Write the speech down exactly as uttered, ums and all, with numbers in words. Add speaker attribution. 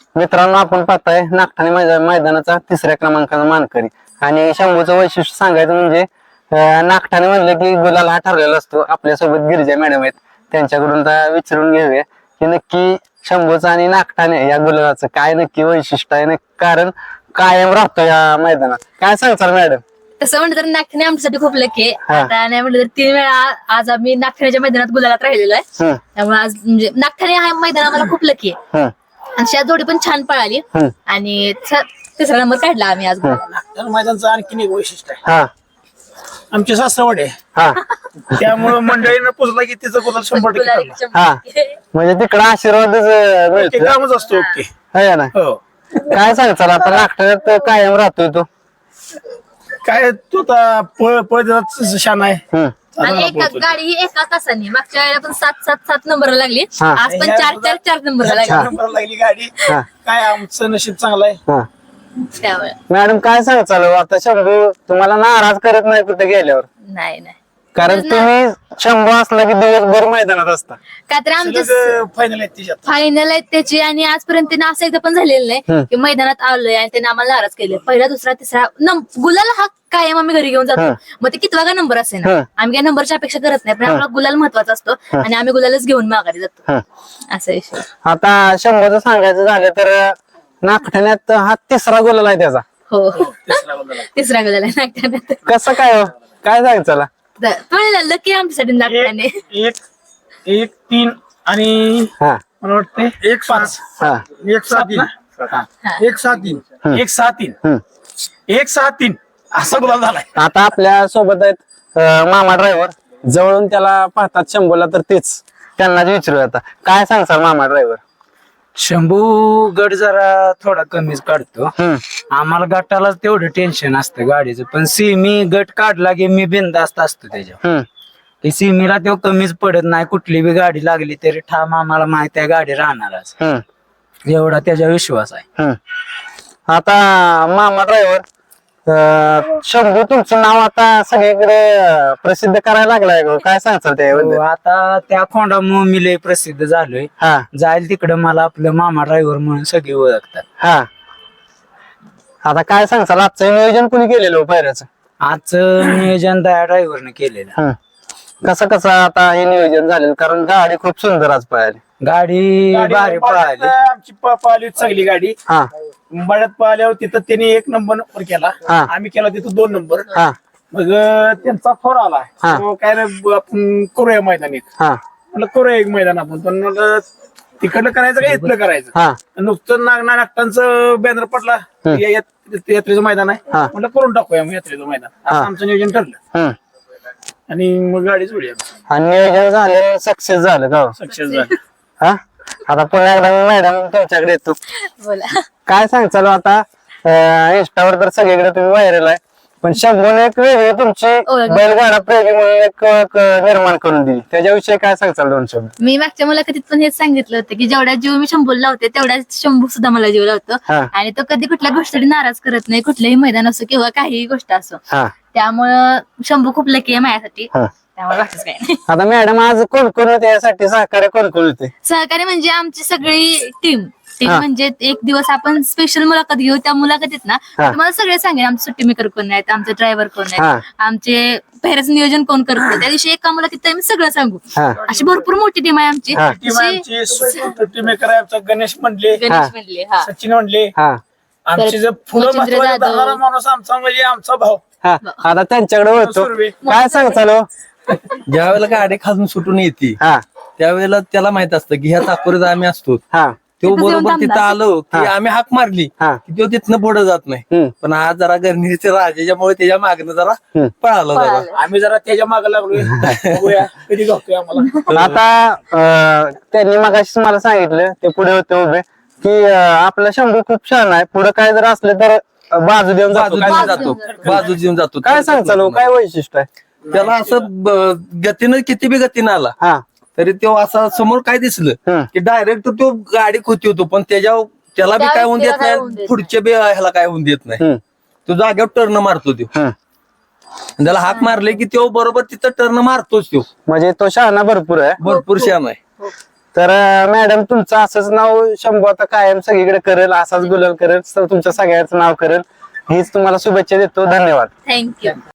Speaker 1: मित्रांनो, आपण पाहताय नागठाणे मैदा- मैदानाचा तिसऱ्या क्रमांकाचा मानकरी आणि शंभूचं वैशिष्ट्य सांगायचं म्हणजे अं, नागठाणे म्हणलं की गुलाल हा ठरलेला असतो. आपल्यासोबत गिरिजा मॅडम आहेत, त्यांच्याकडून आता विचारून घेऊया की नक्की शंभूचं आणि नागठाणे या गुलालाचं काय नक्की वैशिष्ट्य आहे, नक्की कारण कायम राहतो या मैदानात. काय सांगताल मॅडम?
Speaker 2: तसं म्हणलं तर नागठाणे आमच्यासाठी खूप लकी आहे.
Speaker 1: हा.
Speaker 2: आता नाही म्हणलं तर तीन वेळा आज आम्ही नागठाण्याच्या मैदानात गुलालात राहिलेलो आहे.
Speaker 1: हम्म,
Speaker 2: त्यामुळे आज म्हणजे नागठाणे हा मैदान आम्हाला खूप लकी आहे.
Speaker 1: हम्म,
Speaker 2: आणि त्या जोडी पण छान पळाली
Speaker 1: हम्म.
Speaker 2: आणि थ- तिसरा नंबर काढला आम्ही आज गुलालाला.
Speaker 3: तर मैदानचं आणखीन एक वैशिष्ट्य आहे,
Speaker 1: हा
Speaker 3: आमचे सासवड आहे
Speaker 1: हा
Speaker 3: त्यामुळं मंडळीनं पुजला की तिचं गुलाल शंभर टक्के
Speaker 2: गुलाल
Speaker 3: करणार.
Speaker 2: शंभर
Speaker 1: हा.
Speaker 2: टक्के.
Speaker 1: म्हणजे तिकडं आशीर्वादच अं,
Speaker 3: ते
Speaker 1: मिळतो
Speaker 3: कामच असतो ओके.
Speaker 1: है ना.
Speaker 3: हो
Speaker 1: काय सांगताल आता नागठाण्यात कायम राहतोय तो?
Speaker 3: काय तू आता पळ पळ शान आहे.
Speaker 1: हम्म.
Speaker 2: आणि
Speaker 3: आता
Speaker 2: एका
Speaker 3: बोलतो.
Speaker 2: गाडी ही एका तासाने मागच्या वेळेला पण सात सात सात नंबरला लागली.
Speaker 1: हा.
Speaker 2: आज पण चार चार चार नंबरला
Speaker 3: चार
Speaker 2: लागली.
Speaker 3: नंबरला लागली गाडी.
Speaker 1: हा.
Speaker 3: काय आमचं नशीब चांगलं आहे.
Speaker 1: हा.
Speaker 2: त्यामुळे
Speaker 1: मॅडम काय सांगताल आता शंभू तुम्हाला नाराज करत नाही कुठे गेल्यावर?
Speaker 2: नाही नाही
Speaker 1: कारण तुम्ही शंभू असला की दिवसभर मैदानात असता.
Speaker 2: का तर आमच्या
Speaker 3: सलग फायनल आहे तिच्यात.
Speaker 2: फायनल आहेत त्याची आणि आजपर्यंत त्यांना असं एकदा पण झालेलं
Speaker 1: हम्म.
Speaker 2: नाही की मैदानात आलोय आणि त्यांनी आम्हाला नाराज केले. पहिला दुसरा तिसरा नम- गुलाल हा कायम आम्ही घरी घेऊन जातो.
Speaker 1: हम्म.
Speaker 2: मग ते कितवा का नंबर असेल
Speaker 1: हम्म.
Speaker 2: ना, आम्ही काही नंबरची अपेक्षा करत नाही, पण
Speaker 1: हम्म.
Speaker 2: आपला गुलाल महत्वाचा असतो आणि आम्ही गुलालच घेऊन माघारी जातो.
Speaker 1: हम्म.
Speaker 2: असा विषय.
Speaker 1: आता शंभूचं सांगायचं झालं तर नागठाण्यात हा तिसरा गोल आहे त्याचा.
Speaker 2: हो
Speaker 3: तिसरा गुलाल आहे.
Speaker 2: तिसरा गुलाल आहे नागठाण्यात.
Speaker 1: कसं काय हो? काय सांगायचं?
Speaker 2: पण लकी आमच्यासाठी नागठाणे.
Speaker 3: एक एक एक तीन आणि
Speaker 1: हा
Speaker 3: मला वाटतं एक पाच
Speaker 1: हा
Speaker 3: एक सहा तीन हा. एक सहा तीन एक सहा तीन
Speaker 1: हम्म.
Speaker 3: एक सहा तीन असा गुलाल झालाय.
Speaker 1: आता आपल्या सोबत आहेत अं, मामा ड्रायव्हर. जवळून त्याला पाहतात शंभूला तर तेच त्यांनाच विचारू. आता काय सांगसाल मामा ड्रायव्हर?
Speaker 4: शंभू गट जरा थोडा कमीच काढतो.
Speaker 1: हम्म
Speaker 4: आम्हाला गटाला तेवढं टेन्शन असतं गाडीचं, पण सिमी गट काढला की मी बिनधास्त असतो त्याच्यावर.
Speaker 1: हम्म
Speaker 4: की सिमीला तो कमीच पडत नाही. कुठली बी गाडी लागली तरी ठाम आम्हाला माहिती आहे गाडी राहणारच,
Speaker 1: हम्म
Speaker 4: एवढा त्याच्या विश्वास आहे.
Speaker 1: हम्म. आता मामा ड्रायव्हर, शंभू तुमचं नाव आता सगळीकडे अं, प्रसिद्ध करायला लागलाय गं. काय सांगताल
Speaker 4: हो,
Speaker 1: त्याबद्दल?
Speaker 4: आता त्या खोंडामुळे मी लय प्रसिद्ध झालोय.
Speaker 1: हा
Speaker 4: जाईल तिकडं मला आपलं मामा ड्रायव्हर म्हणून सगळे ओळखतात.
Speaker 1: हा आता काय सांगताल आजचं नियोजन कुणी केलेलं हो पायऱ्याचं?
Speaker 4: आजचं नियोजन दया ड्रायव्हरने केलेलं.
Speaker 1: हम्म. कसं कसं आता हे नियोजन झालेलं? कारण गाडी खूप सुंदर आज पळाली.
Speaker 4: गाडी
Speaker 3: गाडी
Speaker 4: भारी पळाली.
Speaker 3: आमची प- पळाली होती चांगली गाडी.
Speaker 1: हा
Speaker 3: बड्यात पळाल्यावर तिथं त्यांनी एक नंबर नंबर केला,
Speaker 1: हा.
Speaker 3: आम्ही केला तिथं दोन नंबर.
Speaker 1: हा
Speaker 3: मग अं, त्यांचा फोन आला,
Speaker 1: हा.
Speaker 3: तो काय रे ब- आपण करूया मैदान एक.
Speaker 1: हा
Speaker 3: म्हटलं करूया एक मैदान आपण, पण म्हणलं तिकडलं करायचं का इथलं करायचं.
Speaker 1: हा
Speaker 3: नुकतं नागना नागटांचं बॅनर पडला, या- यात- यात्रेचं मैदान आहे.
Speaker 1: हा.
Speaker 3: म्हटलं करून टाकूया मग यात्रेचं मैदान, असं
Speaker 1: हा.
Speaker 3: आमचं नियोजन ठरलं
Speaker 1: हम्म.
Speaker 3: आणि मग गाडी जोडली आमची.
Speaker 1: आणि नियोजन झालं, सक्सेस झालं का हो?
Speaker 3: सक्सेस झाली.
Speaker 1: हा आता पुन्हा एकदा मी मॅडम तुमच्याकडे येतो.
Speaker 2: बोला.
Speaker 1: काय सांगचाल आता इंस्टावर तर सगळीकडे तुम्ही व्हायरल आहे, पण शंभूने एक वेगळी तुमची
Speaker 2: ओळख.
Speaker 1: बैलगाडा प्रेमी म्हणून एक ओळख निर्माण करून दिली. त्याच्याविषयी काय सांगचाल दोन शब्द?
Speaker 2: मी मागच्या मुलाखतीत पण हेच सांगितलं होतं की जेवढ्या जीव मी शंभूला लावते तेवढ्याच शंभू सुद्धा मला जीव लावतो.
Speaker 1: हा.
Speaker 2: आणि तो कधी कुठल्या गोष्टीसाठी नाराज करत नाही, कुठलंही मैदान असो किंवा काहीही गोष्ट असो.
Speaker 1: हा
Speaker 2: त्यामुळं शंभू खूप लकी आहे माझ्यासाठी.
Speaker 1: हा.
Speaker 2: त्यामुळे बाकीच काही नाही.
Speaker 1: आता मॅडम आज कोण कोण होते यासाठी सहकार्य कोण कोण होते?
Speaker 2: सहकारी म्हणजे आमची सगळी टीम टीम
Speaker 1: हा.
Speaker 2: म्हणजे एक दिवस आपण स्पेशल मुलाखत घेऊ. त्या मुलाखतीत ना
Speaker 1: हा.
Speaker 2: तुम्हाला सगळे सांगेन आमचे सुट्टी मेकर कोण आहेत, आमचे ड्रायव्हर कोण
Speaker 1: हा.
Speaker 2: आहेत, आमचे पेहऱ्याचं नियोजन कोण करतो. त्या दिवशी एका मुलाखतीत आम्ही सगळं सांगू.
Speaker 1: हा
Speaker 2: अशी भरपूर मोठी टीम आहे आमची.
Speaker 1: हा.
Speaker 3: टीम
Speaker 2: अशी-
Speaker 3: आमची सुपर टीम मेकर आहे आमचा गणेश म्हणले,
Speaker 2: गणेश म्हणले हा
Speaker 3: सचिन म्हणले.
Speaker 1: हा
Speaker 3: आमची जर फुलं
Speaker 2: मच्छिंद्र
Speaker 3: महत्वाची
Speaker 2: जाधव.
Speaker 3: धरणारा माणूस आमचा म्हणजे आमचा भाऊ.
Speaker 1: हा आता त्यांच्याकडे होतो.
Speaker 3: सुर्वे.
Speaker 1: काय सांगचाल हो?
Speaker 5: ज्या वेळेला गाडी खालून सुटून येते
Speaker 1: हा
Speaker 5: त्यावेळेला त्याला माहित असतं की ह्या चाकोरीत आम्ही असतो.
Speaker 1: हा
Speaker 5: तो
Speaker 2: तिथंच येऊन
Speaker 5: बरोबर तिथं
Speaker 2: थांबणार.
Speaker 5: आलो की
Speaker 1: हा.
Speaker 5: आम्ही हाक मारली
Speaker 1: हा.
Speaker 5: की तो तिथनं पुढे जात नाही.
Speaker 1: हम्म.
Speaker 5: पण आज जरा गरणीचे राजाच्यामुळे त्याच्या मागणं जरा
Speaker 1: हम्म.
Speaker 5: पळालो जरा.
Speaker 2: पळालो.
Speaker 3: आम्ही जरा त्याच्या मागे लागलोय, बघूया कधी गावतोय आम्हाला.
Speaker 1: आता अं, त्यांनी मगाशीच मला सांगितलं, ते पुढे होते उभे, की अं, आपला शंभू खूप छान आहे, पुढे काय जर असलं तर अं, बाजू देऊन जातो.
Speaker 5: बाजू
Speaker 1: काय
Speaker 5: देऊन
Speaker 1: सांगताल?
Speaker 5: जातो बाजू देऊन जातो.
Speaker 1: काय सांगचाल हो? काय वैशिष्ट्य आहे?
Speaker 5: त्याला असं ब- गतीनं किती बी गतीनं आला
Speaker 1: हा
Speaker 5: तरी तो असा समोर काय दिसलं
Speaker 1: हम्म.
Speaker 5: की डायरेक्ट तो गाडी खोती होतो, पण त्याच्या त्याला बी
Speaker 2: त्या
Speaker 5: काय होऊन
Speaker 2: व्यक्तीला
Speaker 5: देत
Speaker 2: काय होऊन
Speaker 5: नाही,
Speaker 2: देत
Speaker 5: पुढच्या बी ह्याला काय होऊन देत नाही.
Speaker 1: हम्म.
Speaker 5: तो जागेवर टर्न मारतो तो.
Speaker 1: हम्म.
Speaker 5: आणि त्याला हाक मारले की तो बरोबर तिथं टर्न मारतोच तो.
Speaker 1: म्हणजे तो शहाणा भरपूर आहे.
Speaker 5: भरपूर शान आहे.
Speaker 1: तर मॅडम तुमचं असंच नाव शंभू आता कायम सगळीकडे करेल, असाच गुलाल करेल, स- तुमच्या सगळ्यांचं नाव करेल, हीच तुम्हाला शुभेच्छा देतो. धन्यवाद.
Speaker 2: थँक्यू.